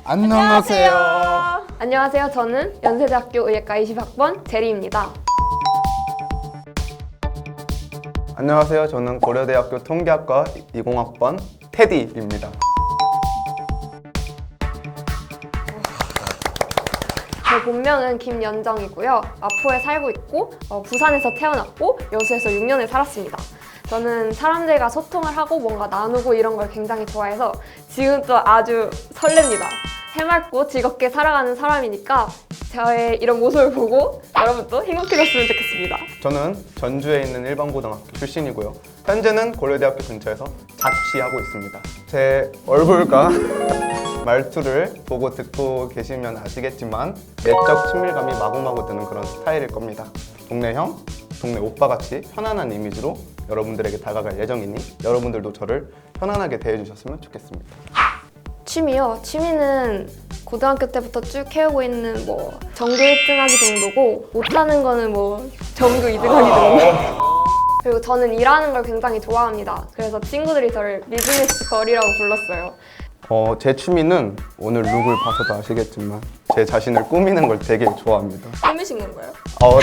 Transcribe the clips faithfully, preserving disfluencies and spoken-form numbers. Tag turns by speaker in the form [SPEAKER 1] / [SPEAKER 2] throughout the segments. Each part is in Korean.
[SPEAKER 1] 안녕하세요.
[SPEAKER 2] 안녕하세요. 저는 연세대학교 의예과 이십 학번 제리입니다.
[SPEAKER 1] 안녕하세요. 저는 고려대학교 통계학과 이십 학번 테디입니다.
[SPEAKER 2] 제 본명은 김연정이고요. 마포에 살고 있고 어, 부산에서 태어났고 여수에서 육 년을 살았습니다. 저는 사람들과 소통을 하고 뭔가 나누고 이런 걸 굉장히 좋아해서 지금도 아주 설렙니다. 해맑고 즐겁게 살아가는 사람이니까 저의 이런 모습을 보고 여러분도 행복해졌으면 좋겠습니다.
[SPEAKER 1] 저는 전주에 있는 일반고등학교 출신이고요. 현재는 고려대학교 근처에서 자취하고 있습니다. 제 얼굴과 말투를 보고 듣고 계시면 아시겠지만 내적 친밀감이 마구마구 드는 그런 스타일일 겁니다. 동네 형, 동네 오빠같이 편안한 이미지로 여러분들에게 다가갈 예정이니 여러분들도 저를 편안하게 대해주셨으면 좋겠습니다.
[SPEAKER 2] 취미요? 취미는 고등학교 때부터 쭉 해오고 있는 뭐 전교 일 등 하기 정도고 못하는 거는 뭐 전교 이 등 하기 정도. 그리고 저는 일하는 걸 굉장히 좋아합니다. 그래서 친구들이 저를 비즈니스 걸이라고 불렀어요.
[SPEAKER 1] 어, 제 취미는 오늘 룩을 봐서도 아시겠지만 제 자신을 꾸미는 걸 되게 좋아합니다.
[SPEAKER 2] 꾸미신 건가요?
[SPEAKER 1] 어, 네.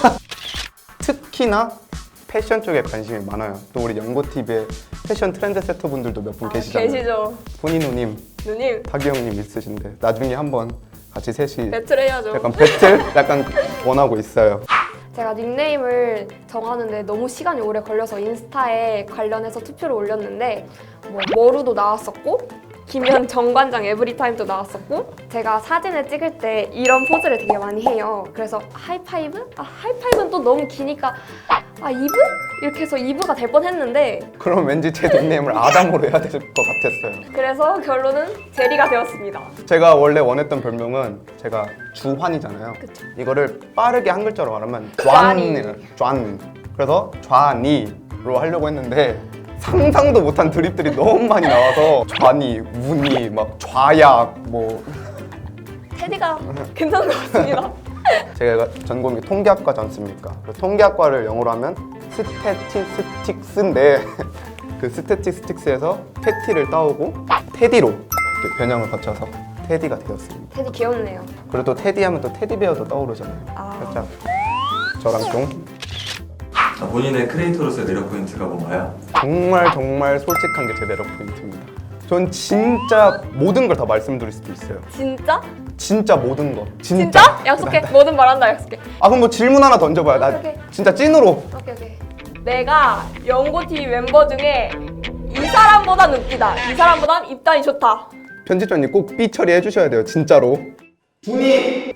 [SPEAKER 1] 특히나 패션 쪽에 관심이 많아요. 또 우리 연고티비에 패션 트렌드 세터 분들도 몇 분
[SPEAKER 2] 아,
[SPEAKER 1] 계시잖아요.
[SPEAKER 2] 계시죠.
[SPEAKER 1] 포니누님,
[SPEAKER 2] 누님
[SPEAKER 1] 타기형님 있으신데 나중에 한번 같이 셋이
[SPEAKER 2] 배틀 해야죠.
[SPEAKER 1] 약간 배틀? 약간 원하고 있어요.
[SPEAKER 2] 제가 닉네임을 정하는데 너무 시간이 오래 걸려서 인스타에 관련해서 투표를 올렸는데 뭐 머루도 나왔었고 김현 정관장 에브리타임도 나왔었고 제가 사진을 찍을 때 이런 포즈를 되게 많이 해요. 그래서 하이파이브? 아 하이파이브는 또 너무 기니까 아 이브? 이렇게 해서 이브가 될 뻔했는데
[SPEAKER 1] 그럼 왠지 제 닉네임을 아담으로 해야 될 것 같았어요.
[SPEAKER 2] 그래서 결론은 제리가 되었습니다.
[SPEAKER 1] 제가 원래 원했던 별명은 제가 주환이잖아요.
[SPEAKER 2] 그쵸.
[SPEAKER 1] 이거를 빠르게 한 글자로 말하면
[SPEAKER 2] 좌니.
[SPEAKER 1] 좌니예요. 좌니. 그래서 좌니로 하려고 했는데 상상도 못한 드립들이 너무 많이 나와서 좌니, 우니, 막 좌약 뭐
[SPEAKER 2] 테디가 괜찮은 것 같습니다.
[SPEAKER 1] 제가 전공이 통계학과지 않습니까? 그 통계학과를 영어로 하면 스태티스틱스인데 그 스태티스틱스에서 패티를 따오고 테디로 이렇게 변형을 거쳐서 테디가 되었습니다.
[SPEAKER 2] 테디 귀엽네요.
[SPEAKER 1] 그리고 또 테디 하면 또 테디베어도 떠오르잖아요.
[SPEAKER 2] 아.
[SPEAKER 1] 살짝 저랑 좀
[SPEAKER 3] 자, 본인의 크리에이터로서의 매력 포인트가 뭔가요?
[SPEAKER 1] 정말 정말 솔직한 게 제 매력 포인트입니다. 전 진짜 모든 걸 다 말씀드릴 수도 있어요.
[SPEAKER 2] 진짜?
[SPEAKER 1] 진짜 모든 거.
[SPEAKER 2] 진짜?
[SPEAKER 1] 진짜?
[SPEAKER 2] 약속해. 뭐든 말한다 약속해.
[SPEAKER 1] 아 그럼 뭐 질문 하나 던져봐요. 나
[SPEAKER 2] 오케이.
[SPEAKER 1] 진짜 찐으로.
[SPEAKER 2] 오케이 오케이. 내가 연고티비 멤버 중에 이 사람보단 웃기다. 이 사람보단 입단이 좋다.
[SPEAKER 1] 편집자님 꼭 삐 처리해 주셔야 돼요. 진짜로. 분이.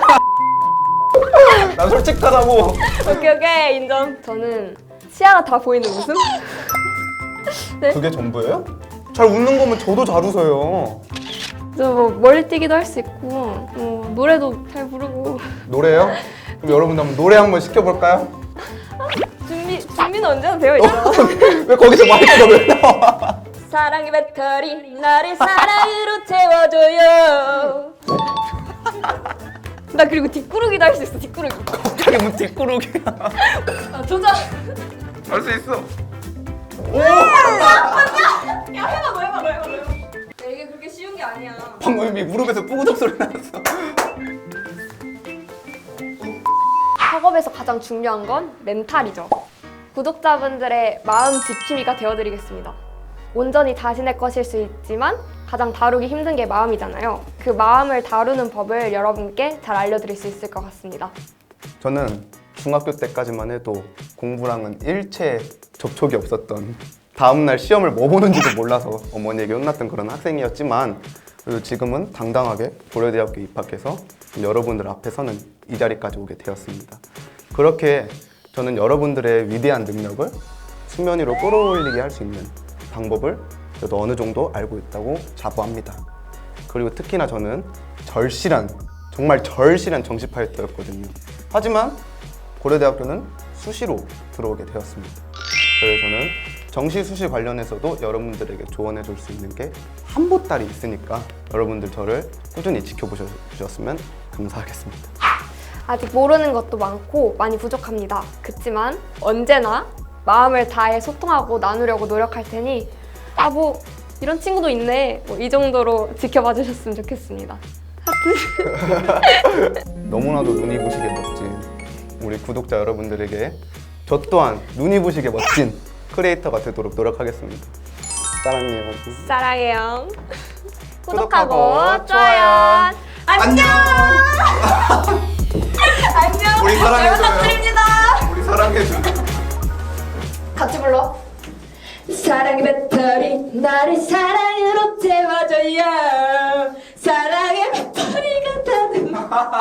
[SPEAKER 1] 난 솔직하다고.
[SPEAKER 2] 오케이 오케이 인정. 저는 시야가 다 보이는 웃음? 네.
[SPEAKER 1] 그게 전부예요? 잘 웃는 거면 저도 잘 웃어요.
[SPEAKER 2] 저 뭐 멀리 뛰기도 할 수 있고 뭐 노래도 잘 부르고.
[SPEAKER 1] 노래요? 그럼 여러분들 한번 노래 한번 시켜볼까요?
[SPEAKER 2] 준비 준비는 언제나 되어 있죠.
[SPEAKER 1] 왜 거기서 마이크가 왜 나와?
[SPEAKER 2] 사랑의 배터리 나를 사랑으로 채워줘요. 나 그리고 뒷구르기도 할 수 있어. 뒷구르기.
[SPEAKER 1] 갑자기 뭐 뒷구르기야.
[SPEAKER 2] 아, 도전.
[SPEAKER 1] 할 수 있어.
[SPEAKER 2] 야 해봐 너 해봐 너 해봐 너 해봐. 야, 이게 그렇게 쉬운 게 아니야.
[SPEAKER 1] 방금 이미 무릎에서 뿌구덕 소리 났어.
[SPEAKER 2] 학업에서 가장 중요한 건 멘탈이죠. 구독자분들의 마음 지킴이가 되어드리겠습니다. 온전히 자신의 것일 수 있지만 가장 다루기 힘든 게 마음이잖아요. 그 마음을 다루는 법을 여러분께 잘 알려드릴 수 있을 것 같습니다.
[SPEAKER 1] 저는 중학교 때까지만 해도 공부랑은 일체 접촉이 없었던 다음날 시험을 뭐 보는지도 몰라서 어머니에게 혼났던 그런 학생이었지만 그래도 지금은 당당하게 고려대학교 입학해서 여러분들 앞에 서는 이 자리까지 오게 되었습니다. 그렇게 저는 여러분들의 위대한 능력을 수면 위로 끌어올리게 할 수 있는 방법을 저도 어느 정도 알고 있다고 자부합니다. 그리고 특히나 저는 절실한, 정말 절실한 정시 파이터였거든요. 하지만 고려대학교는 수시로 들어오게 되었습니다. 그래서 저는 정시 수시 관련해서도 여러분들에게 조언해 줄 수 있는 게 한보따리 있으니까 여러분들 저를 꾸준히 지켜보셨으면 감사하겠습니다.
[SPEAKER 2] 아직 모르는 것도 많고 많이 부족합니다. 그치만 언제나 마음을 다해 소통하고 나누려고 노력할 테니 아 뭐 이런 친구도 있네. 뭐 이 정도로 지켜봐 주셨으면 좋겠습니다.
[SPEAKER 1] 너무나도 눈이 부시게 멋진 우리 구독자 여러분들에게 저 또한 눈이 부시게 멋진 크리에이터가 되도록 노력하겠습니다. 사랑해요.
[SPEAKER 2] 사랑해요.
[SPEAKER 1] 구독하고
[SPEAKER 2] 구독하고
[SPEAKER 1] 좋아요.
[SPEAKER 2] 좋아요. 안녕. 안녕.
[SPEAKER 1] 우리 사랑해줘요.
[SPEAKER 2] 잘 부탁드립니다.
[SPEAKER 1] 우리 사랑해줘.
[SPEAKER 2] 같이 불러.
[SPEAKER 4] 사랑의 배터리 나를 사랑으로 태워줘요. 사랑의 배터리가 닿는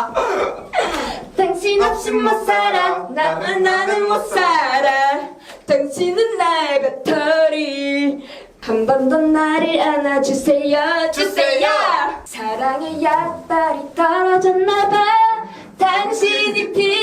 [SPEAKER 4] 당신 없이 못 살아. 나는 나는 못 살아. 당신은 나의 배터리. 한 번 더 나를 안아주세요. 주세요. 사랑의 약발이 떨어졌나봐. 당신이 필요해.